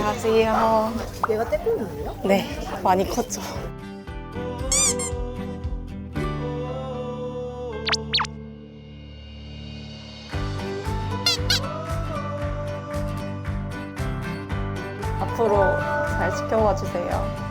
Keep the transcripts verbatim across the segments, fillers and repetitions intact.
안녕하세요. 얘가 떼꾸이에요? 네, 많이 컸죠. 앞으로 잘 지켜봐 주세요.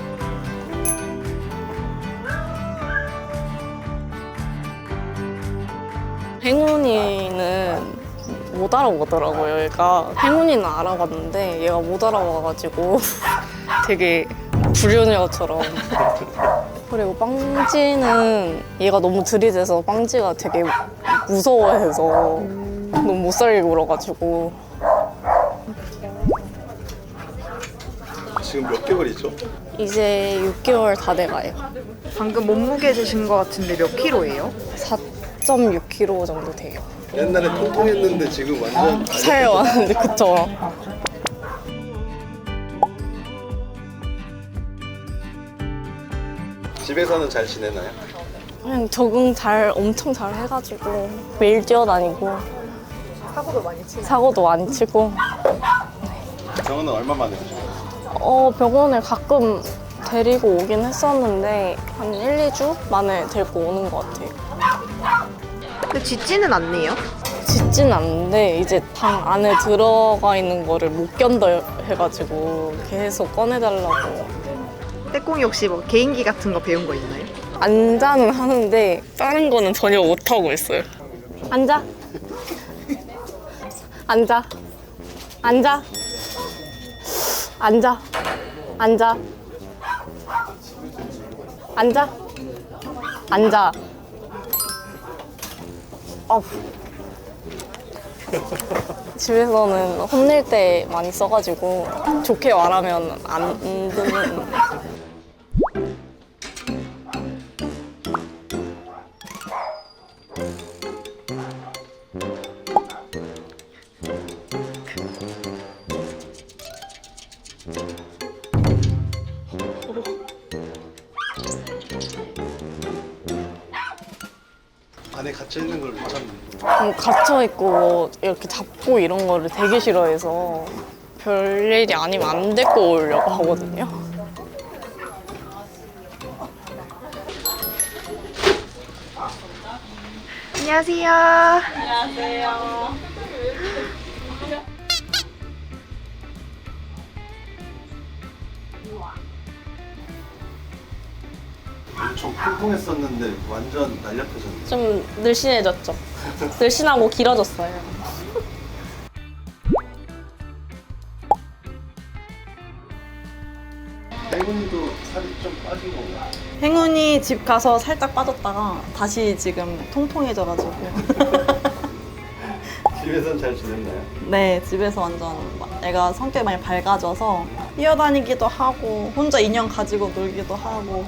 행운이는 못 알아보더라고요. 얘가 행운이는 알아봤는데 얘가 못 알아봐가지고 되게 불효녀처럼. 그리고 빵지는 얘가 너무 들이대서 빵지가 되게 무서워해서 너무 못 살게 굴어가지고. 지금 몇 개월이죠? 이제 육 개월 다 돼가요. 방금 몸무게 재신 것 같은데 몇 킬로예요? 사 점 육 킬로그램 정도 돼요. 옛날에 통통했는데 지금 완전 살 왔는데 그쵸? 집에서는 잘 지내나요? 그냥 적응 잘 엄청 잘 해가지고 매일 뛰어다니고 사고도 많이 치고. 사고도 많이 치고. 병원은 얼마 만에 오죠? 어 병원에 가끔 데리고 오긴 했었는데 한 일, 이 주 만에 데리고 오는 것 같아요. 근데 짖지는 않네요? 짖진 않는데 이제 방 안에 들어가 있는 거를 못 견뎌 해가지고 계속 꺼내달라고. 떼꿍이 혹시 뭐 개인기 같은 거 배운 거 있나요? 앉아는 하는데 다른 거는 전혀 못하고 있어요. 앉아. 앉아. 앉아. 앉아. 앉아. 앉아. 앉아. 어. 집에서는 혼낼 때 많이 써가지고 좋게 말하면 안 듣는. 안에 갇혀 있는 걸 괜찮은데. 음, 갇혀있고 이렇게 잡고 이런 거를 되게 싫어해서 별일이 아니면 안 데리고 오려고 하거든요. 안녕하세요. 안녕하세요. 엄청 통통했었는데 완전 날렵해졌네. 좀 늘씬해졌죠? 늘씬하고 길어졌어요. 행운이도 살이 좀 빠진 건가? 행운이 집 가서 살짝 빠졌다가 다시 지금 통통해져가지고 집에선 잘 지냈나요? 네, 집에서 완전 애가 성격이 많이 밝아져서 뛰어다니기도 하고 혼자 인형 가지고 놀기도 하고.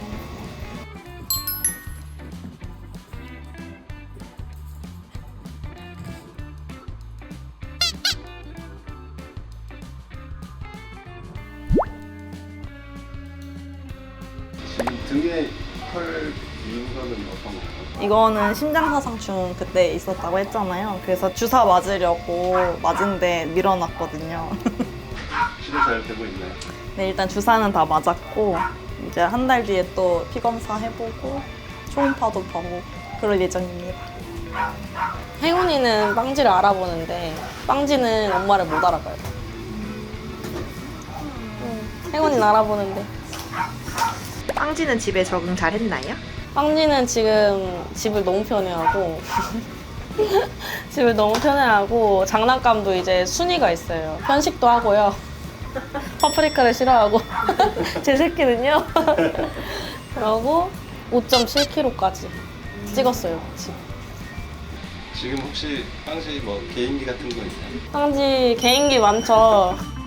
지금 등에 털 비운 거는 어떤 건가요? 이거는 심장사상충 그때 있었다고 했잖아요. 그래서 주사 맞으려고 맞은데 밀어놨거든요. 치료 잘 되고 있나요? 네, 일단 주사는 다 맞았고 이제 한 달 뒤에 또 피검사 해보고 초음파도 보고 그럴 예정입니다. 행운이는 빵지를 알아보는데 빵지는 엄마를 못 알아봐요. 응, 행운이는 알아보는데 빵지는 집에 적응 잘 했나요? 빵지는 지금 집을 너무 편해하고 집을 너무 편해하고 장난감도 이제 순위가 있어요. 편식도 하고요. 파프리카를 싫어하고 제 새끼는요. 그러고 오 점 칠 킬로그램까지 찍었어요. 지금. 지금 혹시 빵시 뭐 개인기 같은 거 있나요? 빵지 개인기 많죠.